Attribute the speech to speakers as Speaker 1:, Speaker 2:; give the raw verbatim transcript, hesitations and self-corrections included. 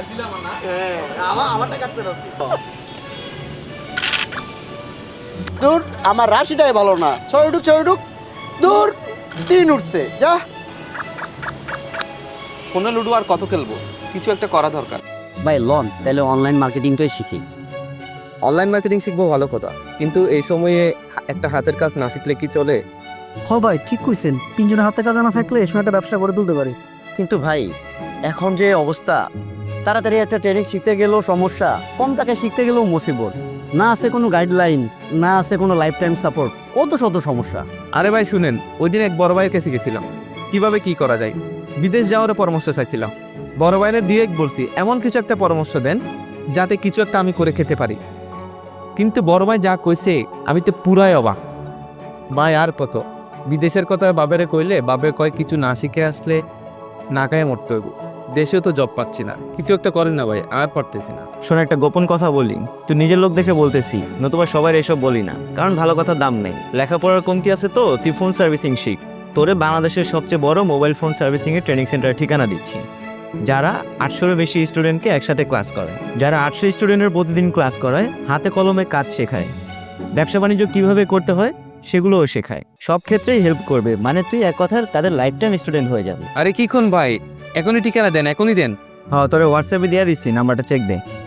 Speaker 1: দূর আমার রাশিটাই ভালো না, ছয় উঠুক ছয় উঠুক, দূর তিন উঠছে যা।
Speaker 2: ফোনে লুডো আর কত খেলবো, কিছু একটা করা দরকার।
Speaker 1: ভাই লন তাহলে অনলাইন মার্কেটিংটাই শিখি।
Speaker 3: অনলাইন মার্কেটিং শিখবো ভালো কথা, কিন্তু এই সময়ে একটা হাতের কাজ না শিখলে কি চলে?
Speaker 4: হ ভাই ঠিক কইছেন, তিনজনের হাতে কাজ না থাকলে এ সময় একটা ব্যবসা করে তুলতে পারি।
Speaker 1: কিন্তু ভাই এখন যে অবস্থা, তাড়াতাড়ি একটা ট্রেনিং শিখতে গেলেও সমস্যা, কম টাকায় শিখতে গেলেও মুসিবত, না আছে কোনো গাইডলাইন, না আছে কোনো লাইফ টাইম সাপোর্ট, কত শত সমস্যা।
Speaker 3: আরে ভাই শুনেন, ওই দিন এক বড় ভাইয়ের কাছে গেছিলাম, কিভাবে কি করা যায় বিদেশ যাওয়ার পরামর্শ চাইছিলাম। বড় ভাইয়ের ডিরেক্ট বলছি এমন কিছু একটা পরামর্শ দেন যাতে কিছু একটা আমি করে খেতে পারি। কিন্তু বড় ভাই যা কইছে আমি তো পুরাই অবাক। ভাই আর কত, বিদেশের কথা বাবেরে কইলে বাবে কয় কিছু না শিখে আসলে না খায় মরতে হইব। দেশেও তো জব পাচ্ছি না, কিছু একটা করেন না ভাই, আর পারতেছি না।
Speaker 5: শোন একটা গোপন কথা বলি, তুই নিজের লোক দেখে বলতেছি, নতুবা সবাই এসব বলি না, কারণ ভালো কথার দাম নেই। লেখাপড়ার কমতি আছে তো তুই ফোন সার্ভিসিং শিখ। তোরে বাংলাদেশের সবচেয়ে বড় মোবাইল ফোন সার্ভিসিংয়ের ট্রেনিং সেন্টারের ঠিকানা দিচ্ছি, যারা আটশোরও বেশি স্টুডেন্টকে একসাথে ক্লাস করায়, যারা আটশো স্টুডেন্টের প্রতিদিন ক্লাস করায়, হাতে কলমে কাজ শেখায়, ব্যবসা বাণিজ্য কীভাবে করতে হয় সেগুলোও শেখায়, সব ক্ষেত্রেই হেল্প করবে। মানে তুই এক কথার তাদের লাইফ টাইম স্টুডেন্ট হয়ে যাবে।
Speaker 2: আরে কি কোন ভাই, এখনই ঠিকানা দেন, এখনই দেন।
Speaker 5: হ্যাঁ তোরে হোয়াটসঅ্যাপে দিয়ে দিচ্ছি, নাম্বারটা চেক দে।